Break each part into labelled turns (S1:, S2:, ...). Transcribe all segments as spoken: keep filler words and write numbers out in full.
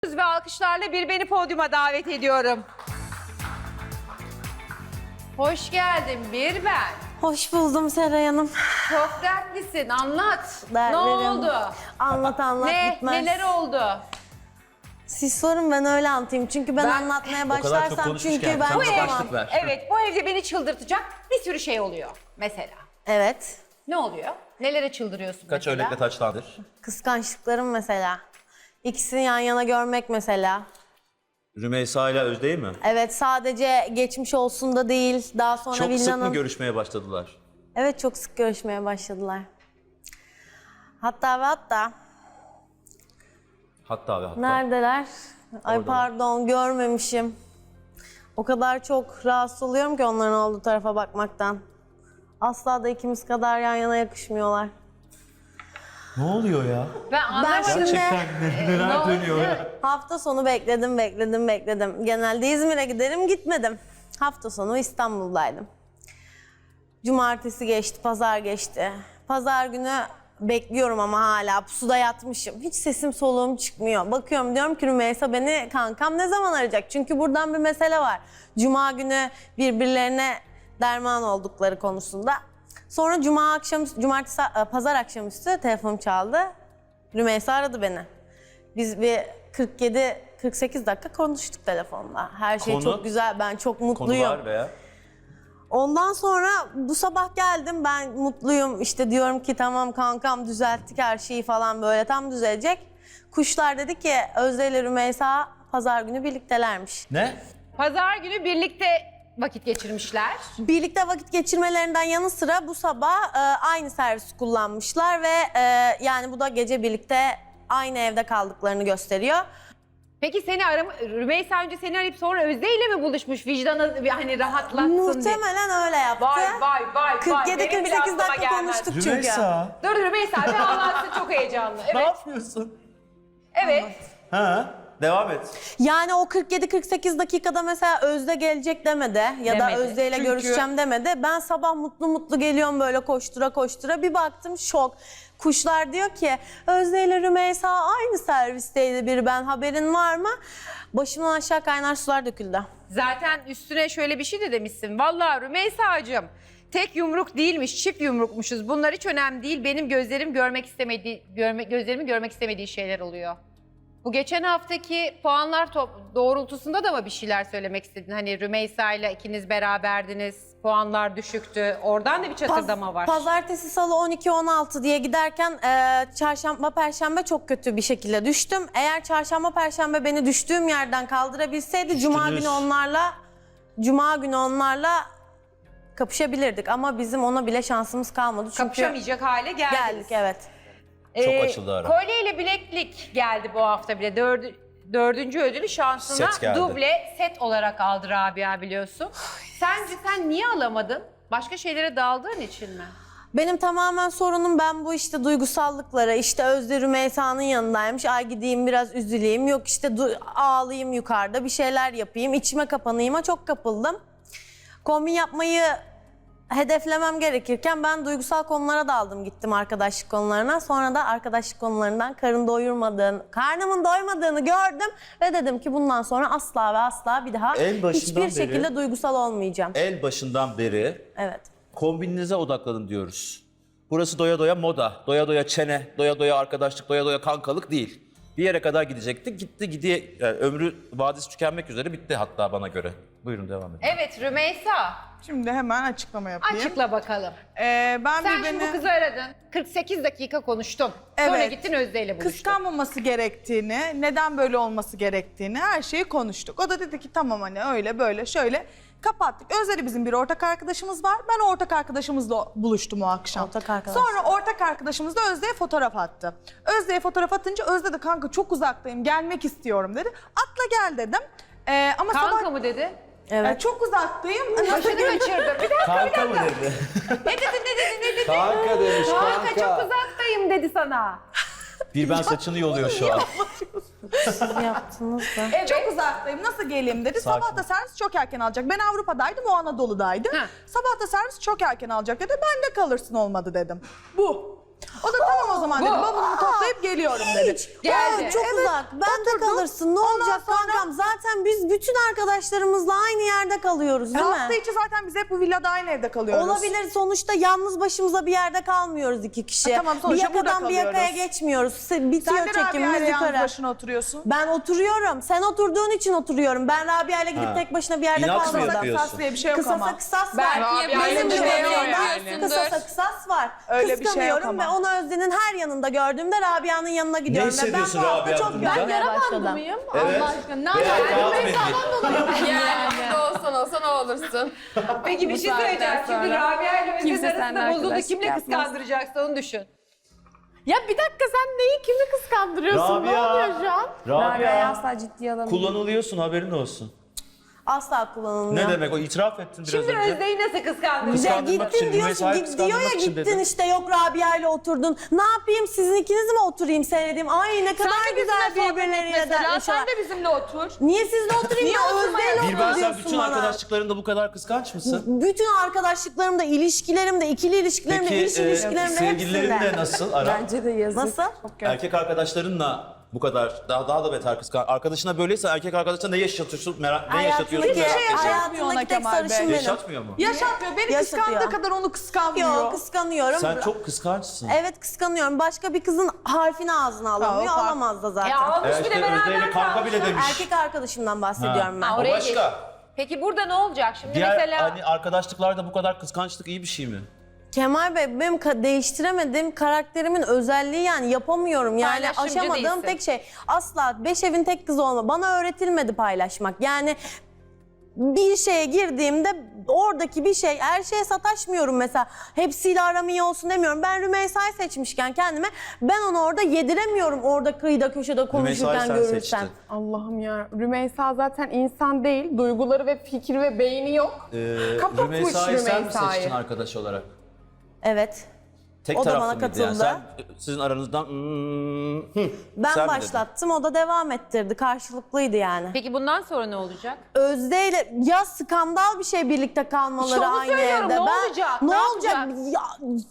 S1: Ve alkışlarla bir beni podyuma davet ediyorum. Hoş geldin bir ben.
S2: Hoş buldum Seray Hanım.
S1: Çok dertlisin, anlat.
S2: Dertlerim.
S1: Ne oldu?
S2: Anlat anlat
S1: Ne,
S2: bitmez.
S1: neler oldu?
S2: Siz sorun ben öyle anlatayım. Çünkü ben,
S1: Ben-
S2: anlatmaya
S3: O kadar çok
S2: başlarsam
S3: konuşmuşken
S2: çünkü ben
S3: sen
S1: Bu
S3: de
S1: ev,
S3: başlık ver.
S1: evet bu evde beni çıldırtacak bir sürü şey oluyor mesela.
S2: Evet.
S1: Ne oluyor? Nelere çıldırıyorsun
S3: Kaç
S1: mesela?
S3: örnekle taçlandır?
S2: Kıskançlıklarım mesela. İkisini yan yana görmek mesela.
S3: Rümeysa ile Özde'yi mi?
S2: Evet, sadece geçmiş olsun da değil. Daha sonra
S3: Çok sık mı
S2: Villan'ın...
S3: görüşmeye başladılar?
S2: Evet, çok sık görüşmeye başladılar. Hatta ve hatta
S3: Hatta ve hatta.
S2: neredeler? Ay
S3: Oradalar.
S2: pardon, görmemişim. O kadar çok rahatsız oluyorum ki onların olduğu tarafa bakmaktan. Asla da ikimiz kadar yan yana yakışmıyorlar.
S3: Ne oluyor ya?
S1: Ben anlamadım.
S2: şimdi-
S3: Gerçekten ne-
S1: Ne
S3: neler
S1: oldu?
S3: dönüyor ya?
S2: Hafta sonu bekledim, bekledim, bekledim. Genelde İzmir'e giderim, gitmedim. Hafta sonu İstanbul'daydım. Cumartesi geçti, pazar geçti. Pazar günü bekliyorum ama hala pusuda yatmışım. Hiç sesim soluğum çıkmıyor. Bakıyorum, diyorum ki Rümeysa beni kankam ne zaman arayacak? Çünkü buradan bir mesele var. Cuma günü birbirlerine derman oldukları konusunda. Sonra cuma akşam, cumartesi, pazar akşamüstü telefonum çaldı. Rümeysa aradı beni. Biz bir kırk yedi kırk sekiz dakika konuştuk telefonda. Her şey
S3: Konu?
S2: çok güzel, ben çok mutluyum.
S3: Konular veya?
S2: Ondan sonra bu sabah geldim, ben mutluyum. İşte diyorum ki tamam kankam, düzelttik her şeyi falan, böyle tam düzelecek. Kuşlar dedi ki Özde ile Rümeysa pazar günü birliktelermiş.
S3: Ne?
S1: Pazar günü birlikte vakit geçirmişler.
S2: Birlikte vakit geçirmelerinden yanı sıra bu sabah e, aynı servisi kullanmışlar ve e, yani bu da gece birlikte aynı evde kaldıklarını gösteriyor.
S1: Peki seni arama, Rümeysa önce seni arayıp sonra Özde ile mi buluşmuş vicdanı hani rahatlatsın diye?
S2: Muhtemelen öyle yaptı.
S1: Vay vay vay
S2: kırk
S1: vay.
S2: yedi
S1: Benim
S2: kırk
S1: bile
S2: sekiz
S1: aklıma
S2: dakika
S1: gelmez.
S2: konuştuk çünkü.
S3: Rümeysa.
S1: Dur Rümeysa bir anlatsın, çok heyecanlı.
S3: Ne
S1: Evet.
S3: yapıyorsun?
S1: Evet.
S3: Ha? Devam et.
S2: Yani o kırk yedi kırk sekiz dakikada mesela Özde gelecek demedi ya da
S1: Demedi.
S2: Özde ile
S1: Çünkü-
S2: görüşeceğim demedi. Ben sabah mutlu mutlu geliyorum böyle koştura koştura, bir baktım şok. Kuşlar diyor ki Özde ile Rümeysa aynı servisteydi, bir ben, haberin var mı? Başımdan aşağı kaynar sular döküldü.
S1: Zaten üstüne şöyle bir şey de demişsin. Vallahi Rümeysa'cığım tek yumruk değilmiş, çift yumrukmuşuz. Bunlar hiç önemli değil. Benim gözlerim görmek istemediği, görme, gözlerimin görmek istemediği şeyler oluyor. Bu geçen haftaki puanlar top, doğrultusunda da mı bir şeyler söylemek istedin? Hani Rümeysa ile ikiniz beraberdiniz, puanlar düşüktü. Oradan da bir çatırdama
S2: Paz-
S1: var.
S2: Pazartesi, salı on iki on altı diye giderken e, çarşamba, perşembe çok kötü bir şekilde düştüm. Eğer çarşamba, perşembe beni düştüğüm yerden kaldırabilseydi cuma
S3: Düştünüz.
S2: günü onlarla cuma günü onlarla kapışabilirdik ama bizim ona bile şansımız kalmadı. Çünkü
S1: Kapışamayacak hale geldiniz.
S2: geldik, evet.
S3: Çok açıldı ara.
S1: Kolye ile bileklik geldi bu hafta bile. Dördü, dördüncü ödülü şansına
S3: Set geldi.
S1: duble set olarak aldı Rabia, biliyorsun. Sence sen niye alamadın? Başka şeylere daldığın için mi?
S2: Benim tamamen sorunum, ben bu işte duygusallıklara, işte Özde Rümeysa'nın yanındaymış, ay gideyim biraz üzüleyim, yok işte du- ağlayayım yukarıda, bir şeyler yapayım, içime kapanayım'a çok kapıldım. Kombin yapmayı hedeflemem gerekirken ben duygusal konulara daldım, gittim arkadaşlık konularına. Sonra da arkadaşlık konularından karın doyurmadığını, karnımın doymadığını gördüm ve dedim ki bundan sonra asla ve asla bir daha
S3: En başından
S2: hiçbir
S3: beri-
S2: şekilde duygusal olmayacağım.
S3: El başından beri
S2: Evet.
S3: kombininize odaklanın diyoruz. Burası doya doya moda, doya doya çene, doya doya arkadaşlık, doya doya kankalık değil. Bir yere kadar gidecekti, gitti gidiye, yani ömrü vadisi tükenmek üzere bitti hatta bana göre. Buyurun devam edin.
S1: Evet Rümeysa,
S4: Şimdi hemen açıklama yapayım.
S1: açıkla bakalım.
S4: Ee, ben
S1: Sen
S4: bir
S1: şimdi bu
S4: beni
S1: kızı aradın. kırk sekiz dakika konuştun. Sonra
S4: Evet.
S1: gittin Özde ile buluştun.
S4: kıskanmaması gerektiğini, neden böyle olması gerektiğini, her şeyi konuştuk. O da dedi ki tamam hani öyle böyle şöyle kapattık. Özleri bizim bir ortak arkadaşımız var. Ben o ortak arkadaşımızla buluştum o akşam.
S2: Ortak arkadaş.
S4: Sonra ortak arkadaşımız da Özde'ye fotoğraf attı. Özde'ye fotoğraf atınca Özde de kanka çok uzaktayım, gelmek istiyorum dedi. Atla gel dedim. Ee, ama
S1: Kanka
S4: sabah
S1: mı dedi?
S2: Evet.
S4: Ee, çok uzaktayım.
S1: Başını kaçırdım. Bir dakika.
S3: Kanka mı dedi?
S1: Ne dedi, ne dedi, ne dedi?
S5: Kanka demiş
S1: Kanka
S5: kanka.
S1: çok uzaktayım dedi sana.
S3: Bir ben saçını yoluyor şu an.
S2: Siz yaptınız da.
S1: Evet.
S4: Çok uzaktayım, nasıl geleyim dedi.
S3: Sakin.
S4: Sabah da servis çok erken alacak. Ben Avrupa'daydım, o Anadolu'daydı.
S1: Ha.
S4: Sabah da servis çok erken alacak dedi. Ben de kalırsın olmadı dedim. Bu. O da tamam o zaman dedi. Bavulumu toplayıp geliyorum dedi.
S1: Geldi.
S2: Aa, çok
S4: Evet,
S2: uzak. Ben de
S4: oturdum.
S2: kalırsın. Ne
S4: Ondan
S2: olacak
S4: sonra-
S2: kankam? Zaten biz bütün arkadaşlarımızla aynı yerde kalıyoruz değil
S4: Hafta
S2: mi?
S4: içi zaten biz hep bu villada aynı evde kalıyoruz.
S2: Olabilir. Sonuçta yalnız başımıza bir yerde kalmıyoruz iki kişi.
S4: Ha, tamam,
S2: bir
S4: sonuçta burada
S2: yakadan bir yakaya
S4: kalıyoruz.
S2: geçmiyoruz. Se- Bitiyor
S4: Sen de Rabia
S2: çekimimiz
S4: ile yalnız
S2: yukarı.
S4: başına oturuyorsun.
S2: Ben oturuyorum. Sen oturduğun için oturuyorum. Ben Rabia ile gidip
S3: Ha.
S2: tek başına bir yerde
S3: İnat mı
S2: kalmadım.
S3: yapıyorsun?
S4: Kısas diye bir şey yok
S2: Kısasa
S4: ama.
S2: kısas var.
S1: Belki
S2: Bizim
S1: yapıyorsun,
S2: gibi
S1: bir şey yok
S2: orada
S1: yani.
S2: kısasa kısas var.
S4: Öyle bir şey yok
S2: Kıskanıyorum
S4: ama.
S2: ve onu Özden'in her yanında gördüğümde Rabia'nın yanına gidiyorum. Ve ben
S3: hissediyorsun
S2: bu hafta
S3: Rabia
S2: çok
S3: bundan?
S2: görmeye başladım.
S5: mıyım?
S3: Evet.
S5: Allah aşkına. Ne
S3: Veya
S5: alaka?
S3: kağıt mendil.
S5: Yani burada olsan olsan o olursun.
S1: Peki bir
S5: Bu
S1: şey
S5: saatten
S1: söyleyeceğim. Şimdi
S5: sonra
S1: Rabia ile
S5: kimse
S1: Özden
S5: seninle
S1: arasında bozuldu.
S5: arkadaşlık
S1: Kimle
S5: yapmaz.
S1: kıskandıracaksın onu düşün.
S5: Ya bir dakika sen neyi kimi kıskandırıyorsun? Ne
S3: Rabia.
S5: oluyor şu an? Rabia'yı
S3: Rabia.
S5: asla ciddiye alamıyorum.
S3: Kullanılıyorsun haberin olsun.
S2: Asla kullanılmıyor.
S3: Ne demek o itiraf ettin biraz
S1: Şimdi
S3: önce.
S1: Özde'yi nasıl kıskandıracak?
S2: Ya
S3: Kıskandırmak
S2: gittin
S3: için,
S2: diyorsun,
S3: Rümeysa'yı
S2: git, diyor ya
S3: kıskandırmak için
S2: gittin
S3: dedim.
S2: işte yok Rabia ile oturdun. Ne yapayım sizin ikiniz mi oturayım seyredeyim? Ay ne kadar güzel birbirleriyle dertleşiyorlar.
S5: de bizimle otur.
S2: Niye sizle oturayım
S4: Niye
S2: ya
S4: oturmayalım?
S2: Özde'yle
S3: Bir ben
S2: otur
S3: sen
S2: diyorsun
S3: bütün
S2: bana.
S3: arkadaşlıklarında bu kadar kıskanç mısın?
S2: Bütün arkadaşlıklarımda, ilişkilerimde, ikili ilişkilerimde,
S3: Peki
S2: iş
S3: e,
S2: ilişkilerimde
S3: sevgililerinle
S2: hepsinde.
S3: nasıl ara?
S5: Bence de yazık.
S2: Nasıl?
S3: Erkek arkadaşlarınla bu kadar daha daha da beter kıskan. Arkadaşına böyleyse erkek arkadaşına ne yaşatıyorsun merak ne yaşatıyorsun
S2: Hayatındaki,
S3: merak ediyorum.
S4: yaşatmıyor ona
S2: hayatındaki tek
S4: Kemal Bey.
S2: sarışın benim.
S3: Yaşatmıyor mu?
S4: Yaşatmıyor. Beni
S2: Yaşatıyor.
S4: kıskandığı kadar onu kıskanmıyor.
S2: Yok kıskanıyorum.
S3: Sen çok kıskançsın.
S2: Evet kıskanıyorum. Başka bir kızın harfini ağzına alamıyor.
S4: Ha, o fark-
S2: Alamaz da zaten.
S1: Ya almış
S3: Evet,
S1: bir de
S3: işte Özde ile
S1: beraber
S3: kanka bile
S1: kalmışlar.
S3: demiş.
S2: Erkek arkadaşımdan bahsediyorum ben.
S1: Ha,
S3: O
S1: oraya
S3: başka.
S1: geç. Peki burada ne olacak şimdi
S3: Diğer
S1: mesela?
S3: hani arkadaşlıklarda bu kadar kıskançlık iyi bir şey mi?
S2: Kemal Bey benim ka- değiştiremediğim karakterimin özelliği yani yapamıyorum. Yani
S1: Paylaşımcı
S2: aşamadığım
S1: değilsin.
S2: tek şey asla beş evin tek kızı olma. Bana öğretilmedi paylaşmak. Yani bir şeye girdiğimde oradaki bir şey her şeye sataşmıyorum mesela. Hepsiyle aram iyi olsun demiyorum. Ben Rümeysa'yı seçmişken kendime ben onu orada yediremiyorum orada kıyıda köşede konuşurken
S3: sen
S2: görürsem.
S3: seçtin.
S5: Allah'ım ya. Rümeysa zaten insan değil. Duyguları ve fikri ve beyni yok.
S3: Ee,
S5: Kapatmış
S3: Rümeysa'yı sen mi
S5: Rümeysa'yı.
S3: seçtin arkadaş olarak?
S2: Evet.
S3: Tek
S2: O da
S3: taraflı
S2: bana
S3: mıydı
S2: katıldı.
S3: yani? Sen sizin aranızdan hmm, hı,
S2: Ben
S3: sen mi dedin?
S2: başlattım o da devam ettirdi. Karşılıklıydı yani.
S1: Peki bundan sonra ne olacak?
S2: Özde ile ya skandal bir şey birlikte kalmaları
S1: İşte onu
S2: aynı
S1: söylüyorum,
S2: evde.
S1: ne
S2: ben,
S1: olacak?
S2: Ne,
S1: Ne
S2: olacak? Ya,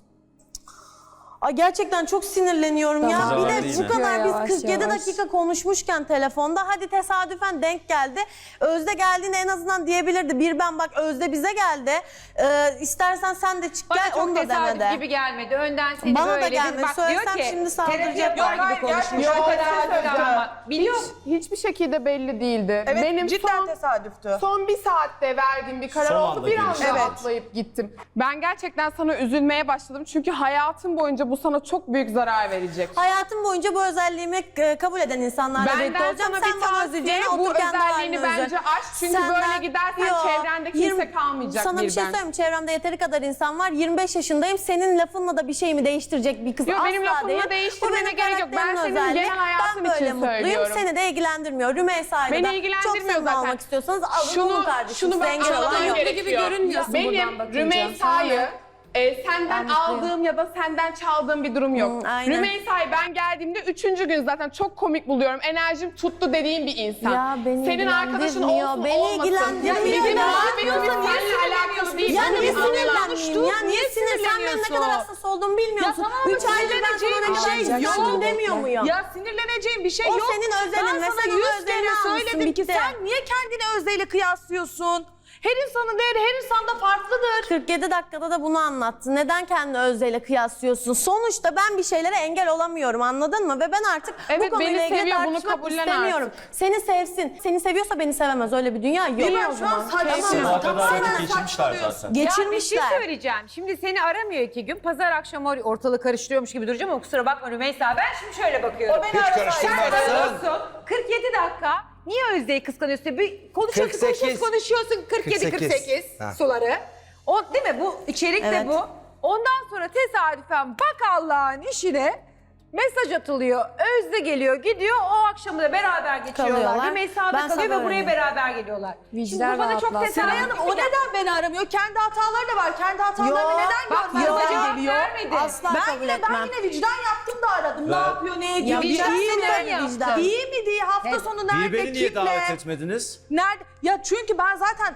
S2: Ay gerçekten çok sinirleniyorum ya.
S3: Tamam.
S2: Bir
S3: Zaman
S2: de
S3: değil
S2: bu
S3: mi?
S2: kadar biz
S5: Yavaş,
S2: kırk yedi
S5: yavaş.
S2: dakika konuşmuşken telefonda hadi tesadüfen denk geldi. Özde geldiğinde en azından diyebilirdi. Bir ben bak Özde bize geldi. Ee, istersen sen de çık
S1: Bana
S2: gel
S1: çok
S2: onu da
S1: tesadüf
S2: demedi.
S1: gibi gelmedi. Önden seni
S2: Bana da
S1: böyle
S2: gelmedi.
S1: bir bak diyor
S2: Söylesem
S1: ki
S2: şimdi
S1: terapi
S2: saldıracaklar.
S1: yapar
S4: Yok,
S1: gibi
S4: hayır,
S1: konuşmuş.
S4: gerçekten
S1: O kadar
S4: tesadüf.
S1: kıskanma. Biliyor musun?
S5: Hiçbir şekilde belli değildi.
S4: Evet
S5: Benim
S4: cidden
S5: son,
S4: tesadüftü.
S5: son bir saatte verdiğim bir karar
S3: Son
S5: oldu.
S3: anda
S5: Bir anda
S3: gelişti.
S4: Evet.
S5: atlayıp gittim. Ben gerçekten sana üzülmeye başladım. Çünkü hayatım boyunca bu sana çok büyük zarar verecek.
S2: Hayatım boyunca bu özelliğimi e, kabul eden insanlarla birlikte
S5: Benden
S2: olacağım.
S5: sana
S2: Sen
S5: bir
S2: bana
S5: tavsiye,
S2: üzüleceğine
S5: bu
S2: otur kendi
S5: özelliğini
S2: haline üzül.
S5: bence aç. Çünkü böyle gidersen çevrende kimse kalmayacak
S2: Sana bir şey
S5: birden.
S2: söyleyeyim. Çevremde yeteri kadar insan var. yirmi beş yaşındayım. Senin lafınla da bir şey mi değiştirecek bir kız
S5: Yok,
S2: asla
S5: benim lafımla
S2: değil. Bu
S5: değiştirmene
S2: benim
S5: gerek yok. Ben
S2: karakterimin
S5: senin
S2: özelliği.
S5: genel hayatın
S2: Ben böyle
S5: için
S2: mutluyum.
S5: söylüyorum.
S2: Seni de ilgilendirmiyor. Rümeysa'yla
S5: Beni
S2: da çok
S5: ilgilendirmiyor
S2: samimi
S5: zaten.
S2: olmak istiyorsanız alın
S5: Şunu,
S2: olun kardeşim.
S5: şunu
S2: Size
S5: ben
S2: engel olan
S5: anlamam
S2: yok.
S5: gerekiyor. Benim Rümeysa'yı e, senden
S2: Ben mutluyum.
S5: aldığım ya da senden çaldığım bir durum yok.
S2: Hı, aynen.
S5: Rümeysa'yı ben geldiğimde üçüncü gün zaten çok komik buluyorum. Enerjim tuttu dediğim bir insan.
S2: Ya beni
S5: Senin arkadaşın
S2: ilgilendirmiyor,
S5: olsun
S2: beni
S5: olmasın.
S2: ilgilendirmiyor.
S5: Ya bizim
S2: Ya
S5: muhabbetimiz
S2: niye
S5: seninle alakalı değil.
S2: Ya
S5: Bunu
S2: niye
S5: bir anlayalım.
S2: sinirlenmeyeyim ya? Niye sinir? Sen benim ne kadar hassas olduğumu bilmiyor
S4: Ya
S2: musun?
S4: tamam,
S2: Üç aydır ben sana ne kadar
S4: sinirleneceğim bir şey
S2: sinirlendim
S4: yok.
S2: demiyor muyum?
S4: Ya sinirleneceğim bir şey
S2: O
S4: yok.
S2: senin özelin
S4: ben
S2: ve
S4: sana
S2: sen onun
S4: yüz
S2: özelini
S4: kere
S2: almışsın,
S4: söyledim ki
S2: bitti.
S4: sen niye kendini Özde'yle kıyasıyorsun? Her insanın değeri her insanda farklıdır.
S2: kırk yedi dakikada da bunu anlattın. Neden kendini Özde'yle kıyaslıyorsun? Sonuçta ben bir şeylere engel olamıyorum anladın mı? Ve ben artık
S5: Evet,
S2: bu konuyla
S5: beni
S2: ilgili
S5: seviyor, bunu
S2: tartışmak
S5: kabullen
S2: istemiyorum. Seni sevsin. Seni seviyorsa beni sevemez. Öyle bir dünya yok.
S5: İyi
S4: Ben
S5: o
S4: şu an
S5: zaman.
S4: saçmalıyorsun.
S3: O kadar
S4: Tamamen
S3: vakit geçirmişler
S4: saçmalıyorsun.
S3: zaten.
S1: Ya bir şey
S2: Geçirmişler.
S1: söyleyeceğim. Şimdi seni aramıyor iki gün. Pazar akşamı ortalığı karıştırıyormuş gibi duracağım ama kusura bakma Rümeysa. Ben şimdi şöyle bakıyorum.
S4: O beni arasaydı.
S1: Sen
S3: karıştırmazsın.
S1: arıyorsun. kırk yedi dakika. Niye Özde'yi kıskanıyorsun? Bir konuşuyorsun,
S6: kırk sekiz.
S1: konuşuyorsun, konuşuyorsun. kırk yedi kırk sekiz
S6: Ha.
S1: suları. O değil mi? Bu içerik
S2: Evet.
S1: de bu. Ondan sonra tesadüfen bak Allah'ın işine mesaj atılıyor. Özde geliyor, gidiyor. O akşamı da beraber geçiyorlar.
S2: Kalıyorlar.
S1: Rümeysa da
S2: Ben
S1: kalıyor ve
S2: sana
S1: buraya
S2: öyleyim.
S1: beraber geliyorlar. Şimdi
S5: Vicdan
S1: bu bana çok
S5: rahatlatsın.
S1: tesadüf.
S4: Seray Hanım o neden beni aramıyor? Kendi hataları da var. Kendi hatalarını
S2: Yok,
S4: neden
S1: bak,
S4: görmezden
S1: cevap
S4: geliyor?
S1: vermedi.
S2: Asla
S4: Ben
S2: kabul
S4: yine,
S2: etmem.
S4: ben yine vicdan yaptım da aradım. Ne
S3: Ben-
S4: yapıyor, ne ediyor?
S2: Ya
S4: Vicdan
S2: iyi mi?
S4: yaptım.
S2: Vicdan.
S4: İyi mi diye hafta
S1: Evet.
S4: sonu nerede,
S3: Bir beni niye
S4: kimle?
S3: davet etmediniz?
S4: Nerede? Ya çünkü ben zaten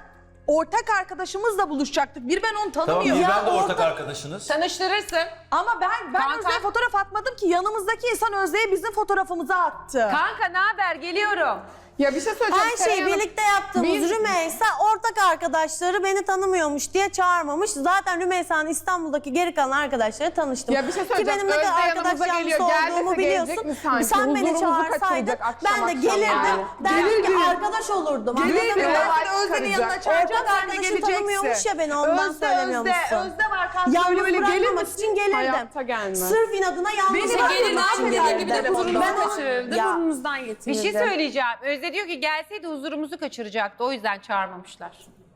S4: ortak arkadaşımızla buluşacaktık. Bir ben onu
S3: Tamam,
S4: tanımıyorum.
S3: bir ben de
S2: Ya
S3: ortak
S2: orada-
S3: arkadaşınız.
S1: Tanıştırırsın.
S4: Ama ben ben
S1: Kanka-
S4: Özde'ye fotoğraf atmadım ki. Yanımızdaki insan Özde'ye bizim fotoğrafımızı attı.
S1: Kanka ne haber? Geliyorum.
S5: Ya bir şey söyleyeceğim.
S2: Her
S5: Seray
S2: şeyi
S5: Hanım.
S2: birlikte yaptığımız
S5: Biz-
S2: Rümeysa ortak arkadaşları beni tanımıyormuş diye çağırmamış. Zaten Rümeysa'nın İstanbul'daki geri kalan arkadaşları tanıştım.
S5: Ya bir şey
S2: Ki
S5: söyleyeceğim.
S2: benim ne kadar
S5: Özde
S2: arkadaş
S5: yanımıza
S2: yanlısı
S5: geliyor. Gel
S2: olduğumu
S5: dese gelecek
S2: biliyorsun.
S5: mi sanki?
S2: Sen beni
S5: Huzurumuzu
S2: çağırsaydın
S5: kaçıracak akşam
S2: ben de
S5: akşam
S2: gelirdim.
S5: yani.
S2: Derdim ki
S4: Gelirdim.
S2: arkadaş olurdum.
S4: Gelirdim.
S2: Anladın mı?
S4: Ben de Özde'nin yanına çağıracağım.
S2: Ortak
S4: Sen de
S2: arkadaşın
S4: geleceksin.
S2: tanımıyormuş ya beni ondan
S4: Özde,
S2: söylemiyormuşsun.
S4: Özde, Özde var kanka.
S2: Yalnız
S4: Öyle böyle gelir
S2: bırakmamak
S4: misin?
S2: için gelirdim.
S5: Hayatta gelmez.
S2: Sırf inadına yalnız
S4: Beni
S2: bırakmamak
S4: gelir, ne
S2: için
S4: yapayım?
S2: gelirdim.
S4: Bir de huzurumuzu
S2: Ben onu-
S6: kaçırırdı,
S2: Ya,
S6: burnumuzdan
S1: Bir
S6: getirirdi.
S1: şey söyleyeceğim. Özde diyor ki gelseydi huzurumuzu kaçıracaktı. O yüzden çağırmamışlar.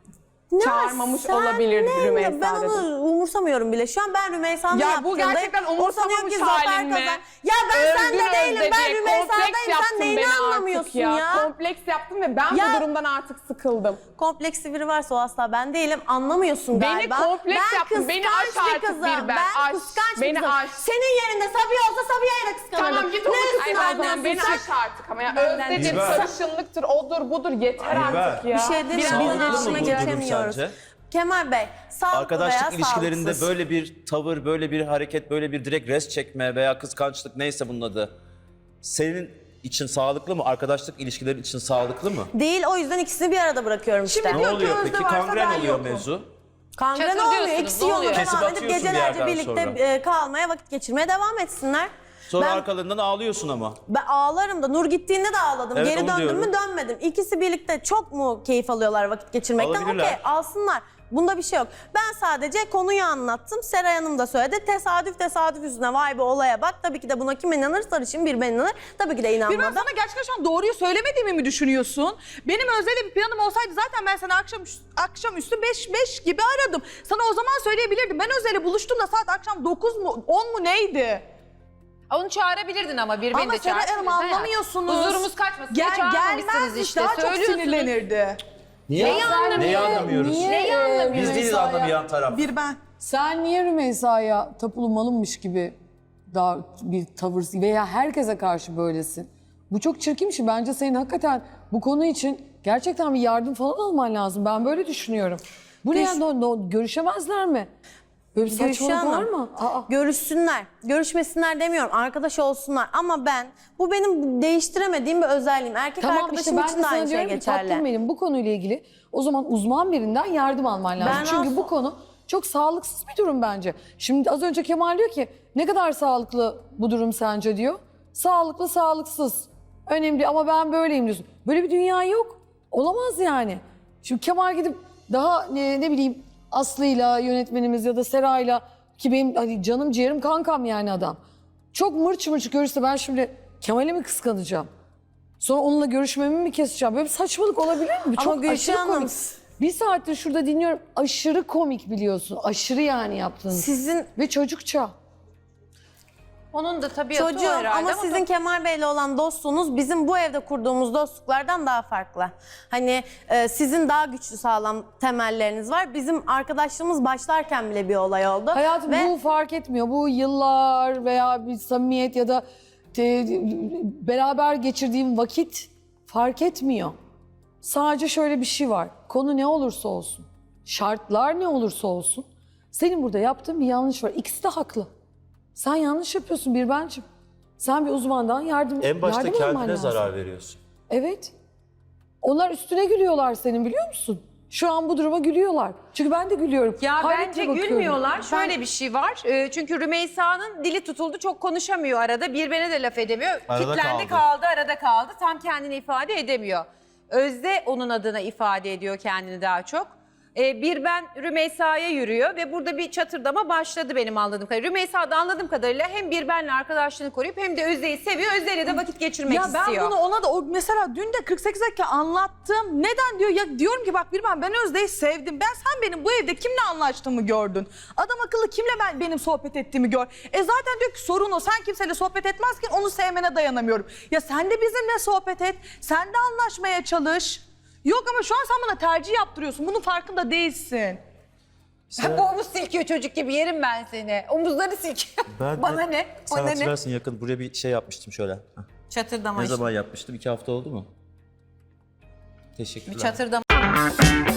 S2: Ne
S5: Çağırmamış
S2: sen
S5: olabilir
S2: ne?
S5: Rümeysa
S2: Ben onu
S5: dedim.
S2: umursamıyorum bile. Şu an ben Rümeysa'nın
S5: Ya bu
S2: yaptığındayım.
S5: gerçekten
S2: O sanıyor
S5: umursamamış
S2: ki zafer
S5: halin mi?
S2: kazan. Ya ben
S5: Övdün
S2: sende değilim.
S5: Özde
S2: Ben
S5: diye
S2: Rümeysa'dayım.
S5: kompleks
S2: Sen
S5: yaptın
S2: neyini
S5: beni artık
S2: anlamıyorsun ya?
S5: Kompleks yaptım ve ben
S2: Ya-
S5: bu durumdan artık sıkıldım.
S2: Kompleksi biri varsa o asla ben değilim. Anlamıyorsun
S5: Beni
S2: galiba.
S5: kompleks
S2: ben
S5: yaptın. Beni
S2: kıskanç
S5: aş
S2: bir
S5: artık
S2: kızım.
S5: bir ben.
S2: Ben
S5: Aş.
S2: kıskanç bir
S5: Beni
S2: kızım.
S5: aş.
S2: Senin yerinde Sabiha olsa Sabiha'yı da kıskanırdım.
S5: Tamam git onu
S2: Ne üstüne
S5: kıskan o zaman.
S2: anlıyorsun
S5: Beni
S2: sen?
S5: aş artık ama ya.
S2: Benden
S5: Özdedir,
S3: değil.
S5: sarışınlıktır, odur budur yeter
S3: Dilber.
S5: artık ya.
S2: Bir şey değil mi?
S3: Sağlıklı
S2: Biz
S3: mı
S2: iletişime
S3: bu durum
S2: geçemiyoruz.
S3: sence?
S2: Kemal Bey, sağlıklı
S3: Arkadaşlık
S2: veya
S3: ilişkilerinde
S2: sağlıksız.
S3: böyle bir tavır, böyle bir hareket, böyle bir direkt res çekme veya kıskançlık neyse bunun adı. Senin için sağlıklı mı? Arkadaşlık ilişkileri için sağlıklı mı?
S2: Değil, o yüzden ikisini bir arada bırakıyorum işte.
S4: Şimdi
S3: Ne
S4: diyor ki
S3: oluyor
S4: Özde
S3: peki?
S4: varsa
S3: Kangren
S4: ben
S3: oluyor
S4: yokum.
S3: mevzu.
S2: Kangren
S1: Çatır
S2: olmuyor.
S1: diyorsunuz,
S2: İkisi
S1: ne
S2: yoluna
S1: oluyor?
S3: Kesip
S2: devam edip
S3: atıyorsun bir
S2: gecelerce
S3: yerden
S2: birlikte
S3: sonra.
S2: e, kalmaya, vakit geçirmeye devam etsinler.
S3: Sonra
S2: ben,
S3: arkalarından ağlıyorsun ama.
S2: ben ağlarım da. Nur gittiğinde de ağladım.
S3: Evet,
S2: Geri
S3: onu
S2: döndüm mü
S3: diyorum.
S2: dönmedim. İkisi birlikte çok mu keyif alıyorlar vakit geçirmekten?
S3: Alabilirler.
S2: Okey, alsınlar. Bunda bir şey yok. Ben sadece konuyu anlattım. Seray Hanım da söyledi. Tesadüf tesadüf yüzüne vay be olaya bak. Tabii ki de buna kim inanır? Sarışın bir ben inanır. Tabii ki de
S4: Bir ben
S2: inanmadım.
S4: sana gerçekten şu an doğruyu söylemediğimi mi düşünüyorsun? Benim Özde'yle bir planım olsaydı zaten ben seni akşam akşamüstü beş beş gibi aradım. Sana o zaman söyleyebilirdim. Ben Özde'yle buluştum da saat akşam dokuz mu on mu neydi?
S1: Onu çağırabilirdin ama bir beni
S4: Ama
S1: de
S4: Seray
S1: çağırsın.
S4: Hanım anlamıyorsunuz.
S1: Huzurumuz kaçmasın diye
S4: Gel,
S1: çağırmamışsınız
S4: gelmezmiş,
S1: işte.
S4: daha çok
S1: Söylüyorsunuz.
S4: sinirlenirdi.
S3: Niye?
S1: Neyi anlamıyor?
S3: Neyi anlamıyoruz?
S1: Neyi anlamıyor?
S3: Biz değiliz
S7: Rümeysa'ya-
S3: anlamayan taraf.
S4: Bir ben.
S7: Sen niye Rümeysa'ya tapulu malınmış gibi daha bir tavır veya herkese karşı böylesin? Bu çok çirkin bir şey. Bence senin hakikaten bu konu için gerçekten bir yardım falan alman lazım. Ben böyle düşünüyorum. Bu ne
S2: Düş-
S7: yani? No- no- görüşemezler mi? Böyle bir
S2: Gülşah
S7: saçmalık var
S2: Hanım,
S7: mı? Aa.
S2: görüşsünler, görüşmesinler demiyorum, arkadaş olsunlar ama ben, bu benim değiştiremediğim bir özelliğim. Erkek
S7: Tamam
S2: arkadaşım
S7: işte ben de
S2: için de aynı
S7: sana
S2: şey
S7: diyorum ki
S2: geçerli.
S7: tatlım benim bu konuyla ilgili o zaman uzman birinden yardım alman lazım.
S2: Ben
S7: Çünkü
S2: asla-
S7: bu konu çok sağlıksız bir durum bence. Şimdi az önce Kemal diyor ki ne kadar sağlıklı bu durum sence diyor. Sağlıklı sağlıksız. Önemli ama ben böyleyim diyorsun. Böyle bir dünya yok. Olamaz yani. Şimdi Kemal gidip daha ne, ne bileyim Aslı'yla yönetmenimiz ya da Seray'la ki benim hani canım ciğerim kankam yani adam. Çok mırç mırç görürse ben şimdi Kemal'i mi kıskanacağım? Sonra onunla görüşmemi mi keseceğim? Böyle bir saçmalık olabilir mi? Bu
S2: Ama
S7: çok
S2: Gülşah
S7: aşırı
S2: Hanım,
S7: komik. Bir saattir şurada dinliyorum. Aşırı komik biliyorsun. Aşırı yani yaptığınız.
S2: Sizin
S7: Ve çocukça.
S1: Onun da tabiatı o
S2: çocuğum
S1: herhalde
S2: ama sizin Kemal Bey'le olan dostluğunuz bizim bu evde kurduğumuz dostluklardan daha farklı. Hani e, sizin daha güçlü sağlam temelleriniz var. Bizim arkadaşlığımız başlarken bile bir olay oldu.
S7: Hayatım
S2: Ve
S7: bu fark etmiyor. Bu yıllar veya bir samimiyet ya da te- beraber geçirdiğim vakit fark etmiyor. Sadece şöyle bir şey var. Konu ne olursa olsun, şartlar ne olursa olsun senin burada yaptığın bir yanlış var. İkisi de haklı. Sen yanlış yapıyorsun bir bencim. Sen bir uzmandan yardım
S3: En başta
S7: yardım alman
S3: kendine
S7: lazım.
S3: zarar veriyorsun.
S7: Evet. Onlar üstüne gülüyorlar senin biliyor musun? Şu an bu duruma gülüyorlar. Çünkü ben de gülüyorum.
S1: Ya
S7: Hayretle
S1: bence
S7: bakıyorum.
S1: gülmüyorlar.
S7: Ben-
S1: Şöyle bir şey var. Ee, çünkü Rümeysa'nın dili tutuldu. Çok konuşamıyor arada. Birbirine de laf edemiyor.
S3: Arada
S1: Kitlendi
S3: kaldı.
S1: kaldı, arada kaldı. Tam kendini ifade edemiyor. Özde onun adına ifade ediyor kendini daha çok. Ee, bir ben Rümeysa'ya yürüyor ve burada bir çatırdama başladı benim anladığım kadarıyla. Rümeysa da anladığım kadarıyla hem bir benle arkadaşlığını koruyup hem de Özde'yi seviyor. Özde'yle de vakit geçirmek
S4: Ya ben
S1: istiyor.
S4: bunu ona da o mesela dün de kırk sekiz dakika anlattım. Neden diyor? Ya diyorum ki bak bir ben ben Özde'yi sevdim. Ben sen benim bu evde kimle anlaştığımı gördün. Adam akıllı kimle ben benim sohbet ettiğimi gör. E zaten diyor ki sorun o. Sen kimseyle sohbet etmezken onu sevmene dayanamıyorum. Ya sen de bizimle sohbet et. Sen de anlaşmaya çalış. Yok ama şu an sen bana tercih yaptırıyorsun. Bunun farkında değilsin.
S1: Bu omuz silkiyor çocuk gibi yerim ben seni. Omuzları silkiyor. Bana ne?
S3: Sen
S1: Bana ne?
S3: hatırlarsın yakın buraya bir şey yapmıştım şöyle. Heh.
S1: Çatırdama
S3: Ne
S1: işte.
S3: zaman yapmıştım? İki hafta oldu mu? Teşekkürler.
S1: Çatırdama.